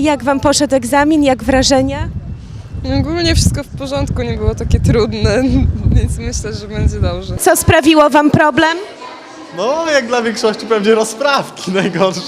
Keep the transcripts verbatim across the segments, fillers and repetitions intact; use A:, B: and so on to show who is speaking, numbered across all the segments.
A: Jak wam poszedł egzamin, jak wrażenia?
B: Ogólnie wszystko w porządku, nie było takie trudne, więc myślę, że będzie dobrze.
A: Co sprawiło wam problem?
C: No, jak dla większości pewnie rozprawki najgorsze.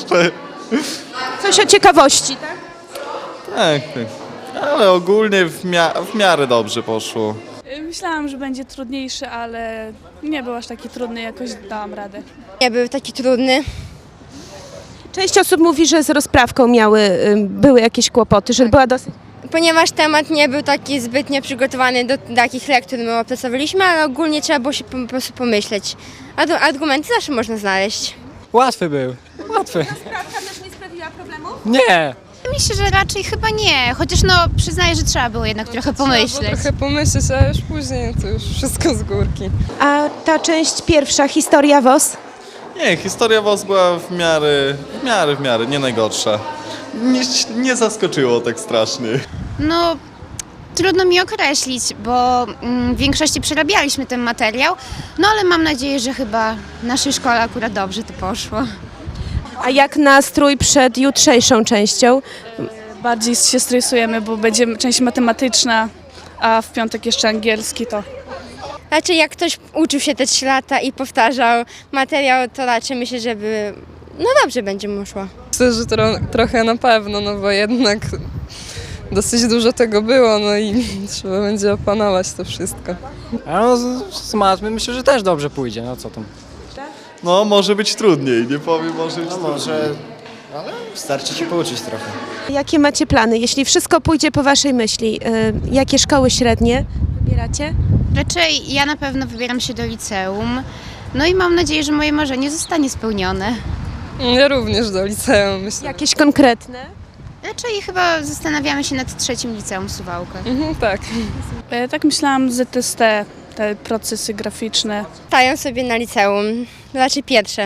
A: Coś o ciekawości, tak?
C: Tak, tak. Ale ogólnie w, mia- w miarę dobrze poszło.
D: Myślałam, że będzie trudniejszy, ale nie był aż taki trudny, jakoś dałam radę.
E: Nie był taki trudny.
A: Część osób mówi, że z rozprawką miały, ym, były jakieś kłopoty, że była dosyć...
E: Ponieważ temat nie był taki zbytnio przygotowany do takich lektur, my opracowaliśmy, ale ogólnie trzeba było się po, po prostu pomyśleć. A do, argumenty zawsze można znaleźć.
F: Łatwy był, łatwy.
A: Rozprawka też nie sprawiła problemu?
F: Nie.
G: Myślę, że raczej chyba nie, chociaż no przyznaję, że trzeba było jednak trochę
B: Trzeba było
G: pomyśleć.
B: trochę pomyśleć, a już później to już wszystko z górki.
A: A ta część pierwsza, historia W O S?
C: Nie, historia W O S była w miarę, w miarę, w miarę, nie najgorsza. Nie, nie zaskoczyło tak strasznie.
G: No trudno mi określić, bo mm, w większości przerabialiśmy ten materiał, no ale mam nadzieję, że chyba w naszej szkole akurat dobrze to poszło.
A: A jak nastrój przed jutrzejszą częścią?
D: Bardziej się stresujemy, bo będzie część matematyczna, a w piątek jeszcze angielski, to
E: Raczej jak ktoś uczył się te trzy lata i powtarzał materiał, to raczej myślę, żeby no dobrze będzie mu szło.
B: Myślę, że tro, trochę na pewno, no bo jednak dosyć dużo tego było, no i trzeba będzie opanować to wszystko.
F: A no, z, z matmy myślę, że też dobrze pójdzie, no co tam.
C: No, może być trudniej, nie powiem, może być
H: No
C: trudniej.
H: może, ale starczy się pouczyć trochę.
A: Jakie macie plany? Jeśli wszystko pójdzie po waszej myśli, y, jakie szkoły średnie wybieracie?
G: Raczej ja na pewno wybieram się do liceum, no i mam nadzieję, że moje marzenie zostanie spełnione.
B: Ja również do liceum, myślę.
A: Jakieś konkretne?
G: Raczej chyba zastanawiamy się nad trzecim liceum Suwałka.
B: Mhm, tak.
D: e, tak myślałam Z S T, te procesy graficzne.
E: Stają sobie na liceum, raczej pierwsze.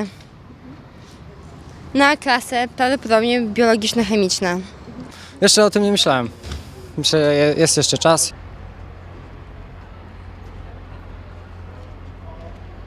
E: Na klasę prawdopodobnie biologiczno-chemiczna.
F: Jeszcze o tym nie myślałem. Myślę, że je- jest jeszcze czas.